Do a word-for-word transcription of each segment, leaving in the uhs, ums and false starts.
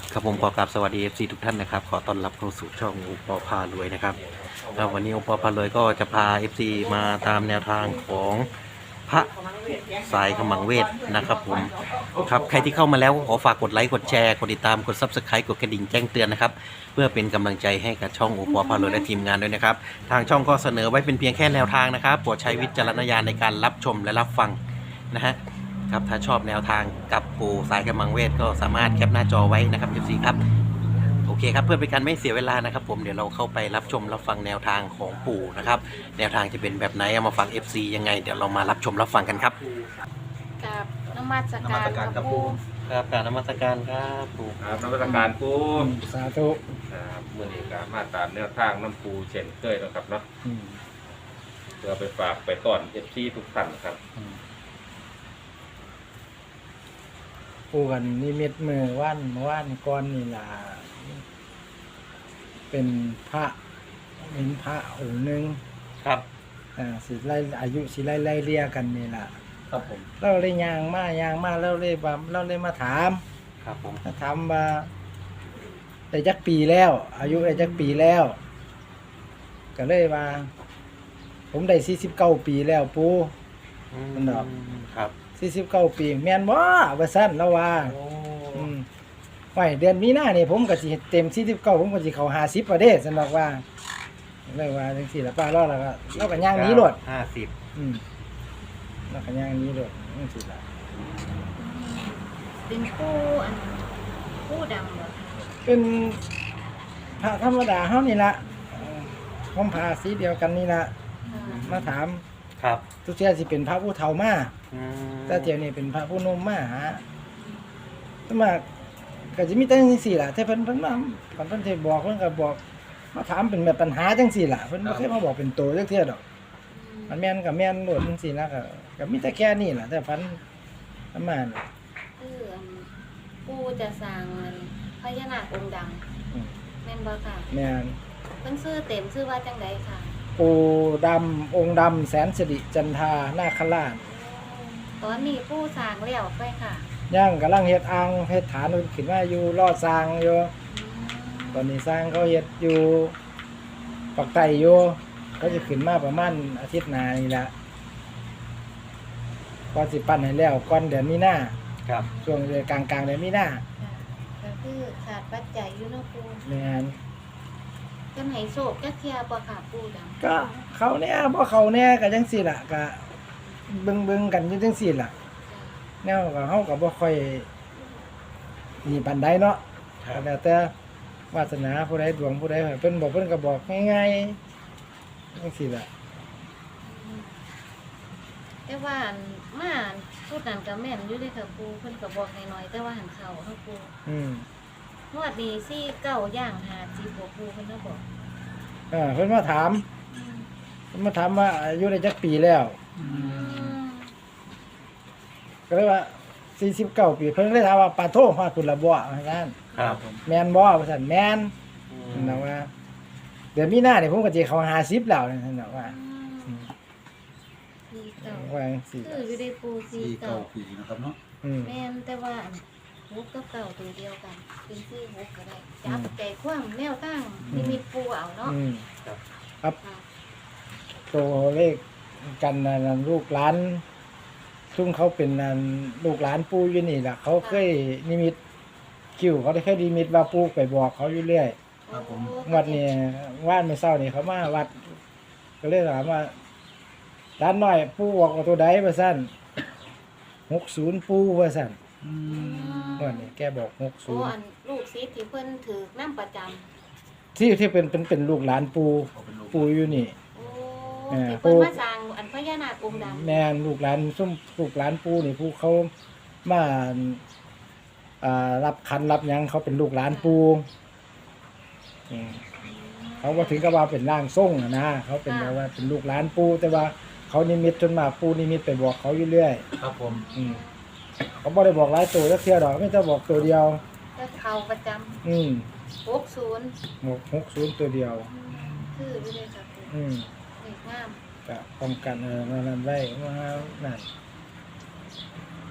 ครับผมขอกราบสวัสดี เอฟ ซี ทุกท่านนะครับขอต้อนรับเข้าสู่ช่องอุปอพารวยนะครับแล้ววันนี้อุปอพารวยก็จะพา เอฟ ซี มาตามแนวทางของพระสายขมังเวทนะครับผมครับใครที่เข้ามาแล้วขอฝากกดไลค์กดแชร์กดติดตามกด ซับสไครบ์ กดกระดิ่งแจ้งเตือนนะครับเพื่อเป็นกำลังใจให้กับช่องอุปอพารวยและทีมงานด้วยนะครับทางช่องก็เสนอไว้เป็นเพียงแค่แนวทางนะครับโปรดใช้วิจารณญาณในการรับชมและรับฟังนะฮะครับถ้าชอบแนวทางกับปู่สายกำมังเวทก็สามารถแคปหน้าจอไว้นะครับ เอฟ ซี ครับโอเคครับเพื่อเป็นการไม่เสียเวลานะครับผมเดี๋ยวเราเข้าไปรับชมรับฟังแนวทางของปู่นะครับแนวทางจะเป็นแบบไหนเอามาฟัง เอฟ ซี ยังไงเดี๋ยวเรามารับชมรับฟังกันครับกับนมัสการกับปูครับการนมัสการครับปู่ครับนมัสการปูสาธุครับมื่อนี้ก็มาตามแนวทางน้ำปูเช่นเคยนะครับเนาะอืมเพื่อไปฝากไปต้อนเอฟซีทุกท่านครับอืมปูกันนิมิตมือว่านว่านก้อนนี่ล่ะเป็นพระเป็นพระองค์หนึ่งครับอ่าสิไล่อายุสิไล่ไล่เลี่ยกันนี่ล่ะครับผมเราเลยยางมายางมาเราเลยว่าเราเลยมาถามครับผมมาถามว่าได้จักปีแล้ว อายุได้จักปีแล้ว ก็เลยว่า ผมได้สี่สิบเก้าปีแล้วปู มันดอกครับสี่สิบเก้าปีแม่นบ่ว่าซั่นแล้วว่าโอ้อืมไว้เดือนมีนานี่ผมก็สิเต็มสี่สิบเก้าผมก็สิเข้าห้าสิบประเด้ซั่นดอกว่าเลยว่าจังซี่ล่ะป้าเราแล้วก็เราก็ย่างหนี้โลดห้าสิบอืมเราก็ย่างหนี้โลดจังซี่ล่ะเป็นปูอันปูดำเหรอเป็นพระธรรมดาเฮานี่ล่ะเอ่อผมพาสีเดียวกันนี่ล่ะคะมาถามครับทุกเที่ยสิเป็นพระผู้เฒ่ามาอืมแต่เที่ยวนี้เป็นพระผู้หนุ่มมาหาแต่มาก็สิมีแต่จังซี่ล่ะแต่เพิ่นเพิ่นมาเพิ่นเพิ่นสิบอกเพิ่นก็บอกมาถามเป็นแบบปัญหาจังซี่ล่ะเพิ่นบ่เคยมาบอกเป็นโตจักเที่ยดอก มันแม่นกับแม่นโลดจังซี่นะก็ก็มีแต่แค่นี้ล่ะแต่ฝันประมาณนี้คืออันปูจะสร้างอันพญานาคองค์ดอืมำแม่นบ่ค่ะแม่นเพิ่นชื่อเต็มชื่อว่าจังไดค่ะปู่ดำองค์ดำแสนสิริจันทานาคราชตอนนี้ปูสร้างแล้วไปค่ะย่างกำลังเฮ็ดอ่างเฮ็ดฐานขึ้นมาอยู่รอสร้างอยู่อืมตอนนี้สร้างเขาเฮ็ดอยู่ปักไตอยู่เขาจะขึ้นมาประมาณอาทิตย์หน้านี่ล่ะก็สิปั้นให้แล้วก่อนเดือนมีนาครับช่วงเดือนกลางๆเดือนมีนาค่ะก็คือขาดปัจจัยอยู่เนาะปูแม่นเพิ่นให้โชคจักเที่ยบ่ค่ะปูดำก็เขาเนี่ยบ่เขาเนี่ยก็จังซี่ล่ะก็เบิ่งๆกันอยู่จังซี่ล่ะแนวก็เฮาก็บ่ค่อยมีปานใดเนาะครับก็แล้วแต่วาสนาผู้ใดดวงผู้ใดเพิ่นบอกเพิ่นก็บอกง่ายๆจังซี่ล่ะแต่ว่าอันมาอันพูดนั้นก็แม่นอยู่เด้อค่ะปูเพิ่นก็บอกน้อยๆแต่ว่าหันเข้าเนาะปูอืมงวดนี้สี่เก้าย่างห้าสิบบ่ปูเพิ่นน่ะบอกเออเพิ่นมาถามเพิ่นมาถามว่าอายุได้จักปีแล้วอืมก็เลยว่าสี่สิบเก้าปีเพิ่นเลยถามว่าปาโทฮอดพุ่นละบ่ว่าซั่นครับแม่นบ่ว่าซั่นแม่นอืเพิ่นมน่ะว่าเดือนมีนาเนี่ยผมก็สิเข้าห้าสิบแล้วนั่นน่ะว่าอืมสี่เก้าว่าจังซี่คืออยู่ในปูสี่สี่เก้าเก้าปีนะครับเนาะอืมแม่นแต่ว่าอันหกกับเก้าตัวเดียวกันเป็นสี่หกก็ได้จับใจคว่ำแนวตั้งที่มีปูเอาเนาะอืมค่ะตัวเลขกันนั่นลูกหลานซุ่มเขาเป็นนั่นลูกหลานปู่อยู่นี่ล่ะเขาเคยนิมิตคิวเขาได้เคยนิมิตว่าปู่ไปบอกเขาอยู่เรื่อยครับผมวัดนี้ว่านเมื่อเช้านี่เขามาวัด ก็เลยถามว่าด้านน้อยปู่บอกว่าตัวใดว่าซั่นหกศูนย์ปู่ว่าซั่นอืมวันนี้แกบอกหกโอ้ศูนย์อันลูกศิษย์ที่เพิ่นถือน้ำประจำที่ที่เป็นเป็นเป็นลูกหลานปู่เขาเป็นลูกปู่อยู่นี่โอ้เออที่เพิ่นปูมาสร้างอันพญานาคองค์ดำแม่นลูกหลานซุ่มลูกหลานปู่นี่ผู้เขามาอ่ารับคันรับหยังเขาเป็นลูกหลานปู่อืมเขาบ่ถึงกับว่าเป็นร่างทรงอะนะเขาเป็นแบบว่าเป็นลูกหลานปู่แต่ว่าเขานิมิตจนมากปู่นิมิตไปบอกเขาอยู่เรื่อยครับผมอืมเขาบ่ได้บอกหลายตัวจักเที่ยดอกมีแต่บอกตัวเดียวก็เขาประจอืมำหกศูนย์หกหกศูนย์ตัวเดียวคืออยู่ในกับปูอืมเด็กงามก็ป้องกันเออนั่นไว้ว่านั่น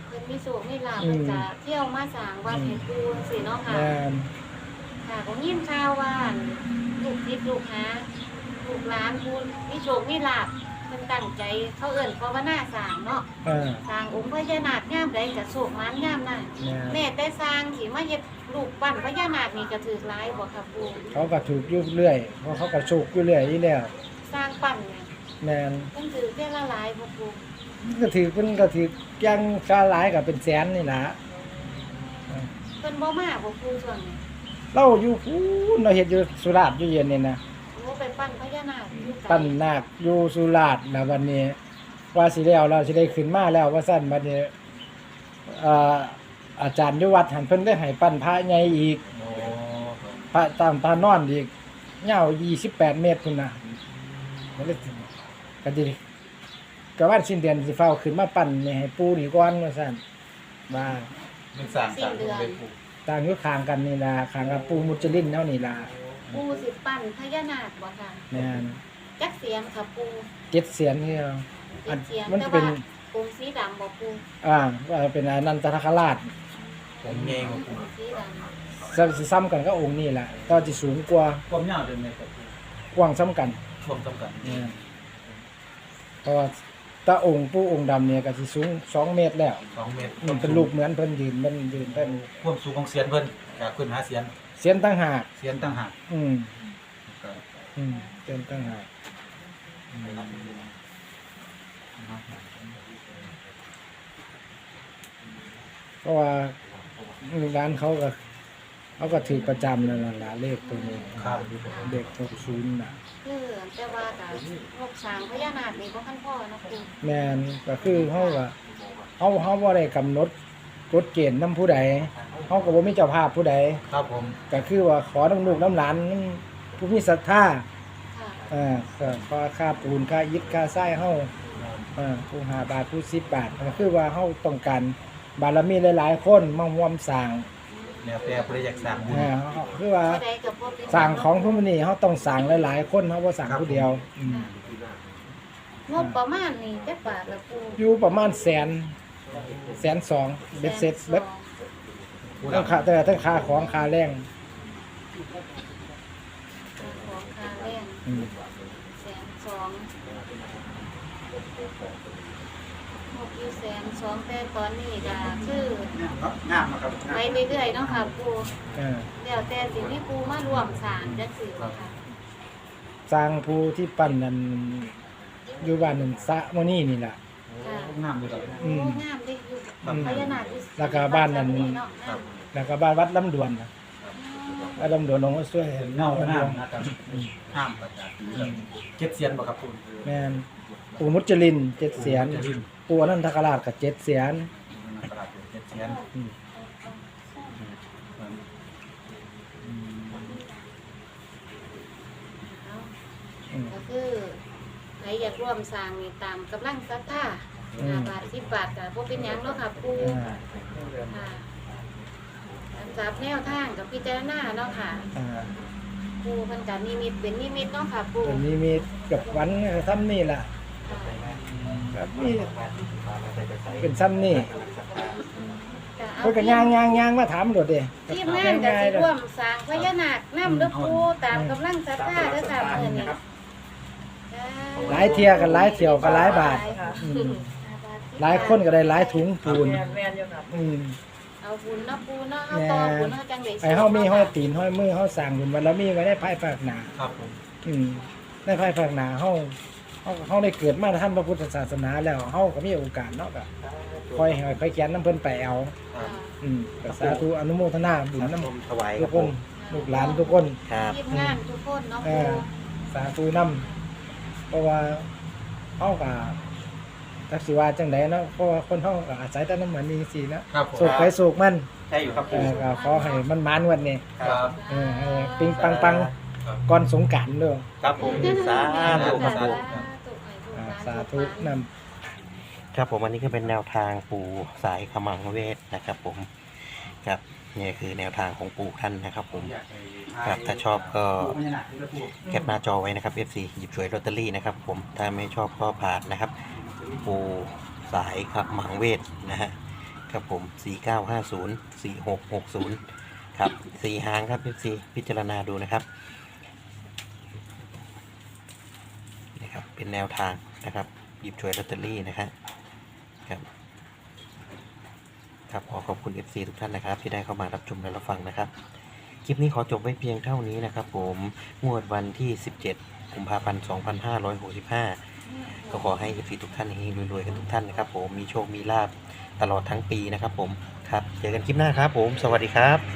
เพิ่นมีโชคมีลาภอืเพิ่นมจะเที่ยวมาสร้างวัดให้ปูจังซี่เนาะค่ะแม่นค่ะก็ยินข่าวว่าลูกศิษย์ลูกหาลูกหลานผู้มีโชคมีลาภเพิ่นตั้งใจเขาเอิ้นภาวนาสร้างเนาะเออสร้างองค์พญานาคงามใดก็โชคหมานงามนั้นแม่นแม่แต่สร้างที่มาเฮ็ดรูปปั้นพญานาคนี่ก็ถือหลายบ่ครับปู่เขาก็ถูกอยู่เรื่อยเพราะเขาก็โชคอยู่เรื่อยอยู่แล้วสร้างปั้นเนี่ยแม่นเพิ่นถือเท่าละหลายบ่ปู่ก็ถือเพิ่นก็ถือยังค่าหลายก็เป็นแสนนี่ล่ะเพิ่นบ่มาบ่ปู่ช่วงนี้เราอยู่พูนเราเฮ็ดอยู่สุราษฎร์อยู่เย็นนี่นะโอ้ไปปั้นพญานาคอยู่ไกลปั้นนาคอยู่สุราษฎร์แล้ววันนี้ ว่าสิแล้วเราสิได้ขึ้นมาแล้วว่าซั่นบัดนี้เอ่ออาจารย์อยู่วัดหันเพิ่นได้ให้ปั้นพระใหญ่อีกโอ้พระตามตานอนอีกยาวยี่สิบแปดเมตรพุ่นน่ะก็เลยก็ดีก็ว่าสิ้นเดือนสิเฝ้าขึ้นมาปั้นนี่ให้ปู่นี่ก่อนว่าซั่นว่ามันสร้างจากเป็นปูต่างอยู่ข้างกันนี่ล่ะข้างกับปู่มุจลินเฮานี่ล่ะปู่สิปั้นพญานาคบ่ค่ะแม่นจักเสียงค่ะปู่เจ็ดเสียนนี่เราเจ็ดเสียงมันแต่เป็นว่าองค์สีดำบ่ปู่อ่าว่าเป็นอนันตนาคราชผมเองของปูองค์สีดำซ้ำสิซ้ำกันก็องค์นี้แหละแตอนที่สูงกว่าความยาวเป็นไงครับปูกว้างซ้ำกันความจำกัดเนี่ยเพราะว่าตาองค์ปู่องค์ดำเนี่ยก็สิสูงสองเมตรแล้วสองเมตรมันเป็นรูปเหมือนเพิ่นยืนเพิ่นยืนเพิ่นความสูงของเสียนเพิ่นจากขึ้นหาเสียนเสียนตั้งหากเสียนต่างหากอืมอืมเสียนตั้งหากเพราะว่าร้านเขาก็เขาก็ถือประจำนั่นล่ะเลขตัวนี้ครับเด็กหกศูนย์น่ะคือแต่ว่าก็งบสร้างพญานาคนี่บ่คันพ่อเนาะปู่แม่นก็คือเฮาก็เฮาเฮาบ่ได้กำหนดกฎเกณฑ์นำผู้ใดเฮาก็บ่มีเจ้าภาพผู้ใดครับผมก็คือว่าขอน้ำลูกน้ำหลานผู้มีศรัทธาค่ะอ่าก็ขอค่าปูนค่าอิฐค่าทรายเฮาอ่าผู้ห้าบาทผู้สิบบาทก็คือว่าเฮาต้องการบารมีหลายๆคนมาร่วมสร้างแล้วแต่ผู้ใดอยากสร้างบุญอ่าคือว่าบ่ได้ก็บ่เป็นสร้างของผู้นี้เฮาต้องสร้างหลายๆคนเฮาบ่สร้างผู้เดียวอืมงบประมาณนี่จักบาทละปู่อยู่ประมาณแสนแสนสองเบ็ดเสร็จเบ็ดผู้ทั้งนำค่าแต่ทั้งค่าของค่าแรงของค่าแรงอืมแสนสองงบอยู่แสนสองแต่ตอนนี้ก็คือครับงามนะครับไปเรื่อยๆเนาะค่ะปู่เออแล้วแต่สิมีปู่มาร่วมสร้างจังซี่บ่ค่ะสร้างผู้ที่ปั้นนั่นอยู่บ้านนั่นสะโมนี่นี่ล่ะค่ะงามเลยครับอืมโอ้งามเด้อยู่อืมพญานาคอยู่แล้วก็บ้านนั้นเาะครับแล้วก็บ้านวัดลำดวนน่ะวัดลำดวนหลวงพ่อช่วยเงาลำดงาว มนนะครับห้ามประจานเจ็ดเสียนบ่ครับปูแม่นปู่มุจลินเจ็ดเสียนจะริมปู่อนันทกราชก็เจ็ดเสียนตลาดเจ็ดเสียนอืม อืมก็คือใครอยากร่วมสร้างนี่ตามกำลังศรัทธาอืมห้าบาทสิบบาทก็บ่เป็นหยังเนาะค่ะปู่อ่าค่ะอันจับแนวทางกับพิจารณาเนาะค่ะอ่าปู่เพิ่นก็นิมิตเป็นนิมิตเนาะค่ะปู่ตัวนี้มีกับวันซ้ำนี่ล่ะค่ะครับนี่เป็นซ้ำนี่ก็เอาเพิ่นก็ย่างย่างย่างมาถามโดดเด้ทีมงานก็สิร่วมสร้างพญานาคนำเด้อปู่ตามกำลังศรัทธาเด้อค่ะมื้อนี้หลายเที่ยกันหลายเที่ยวกันหลายบาทอืมหลายคนก็ได้หลายถุงปูนอืมเอาบุญเนาะปู่เนาะเฮาต่อบุญเฮาจังได้ไอ้เฮามีห้อยตีนห้อยมือเฮาสร้างบุญบารมีไว้ในภายภาคหน้าครับผมอืมในภายภาคหน้าเฮาเฮาเฮาได้เกิดมาท่านพระพุทธศาสนาแล้วเฮาก็มีโอกาสเนาะก็คอยให้คอยเขียนน้ำเพิ่นไปเอาค่ะอืมก็สาธุอนุโมทนาบุญครับนำผมถวายคทุรักบคผนมลูกหลานทุกคนครับทีมงานทุกคนเนาะเอปู่อสาธุนำเพราะว่าเฮาก็จักสิว่าจังไดเนาะเพราะว่าคนเฮาก็อาศัยแต่น้ำมันนี่สิเนาะครับผมสุกไปสุกมันใช่อยู่ครับเออก็ขอให้มันมานวันนี้ครับเออให้ปิงปังปังก่อนสงกรานต์เด้อครับผมสาธุครับผมอ่าสาธุนำครับผมอันนี้ก็เป็นแนวทางปู่สายขมังเวทนะครับผมครับนี่คือแนวทางของปู่ท่านนะครับผมครับถ้าชอบก็แคปหน้าจอไว้นะครับ เอฟ ซี หยิบฉวยลอตเตอรี่นะครับผมถ้าไม่ชอบก็ผ่านนะครับปู่สายขมังเวทนะฮะครับผมสี่เก้าห้าศูนย์สี่หกหกศูนย์ครับสี่หางครับ เอฟ ซี พิจารณาดูนะครับนี่ครับเป็นแนวทางนะครับหยิบช่วยลอตเตอรี่นะครับครับครับขอขอบคุณ เอฟ ซี ทุกท่านนะครับที่ได้เข้ามารับชมและรับฟังนะครับคลิปนี้ขอจบไว้เพียงเท่านี้นะครับผมงวดวันที่สิบเจ็ดกุมภาพันธ์สองพันห้าร้อยหกสิบห้าก็ขอให้ เอฟ ซี ทุกท่านเฮงๆรวยๆกันทุกท่านนะครับผมมีโชคมีลาภตลอดทั้งปีนะครับผมครับเจอกันคลิปหน้าครับผมสวัสดีครับ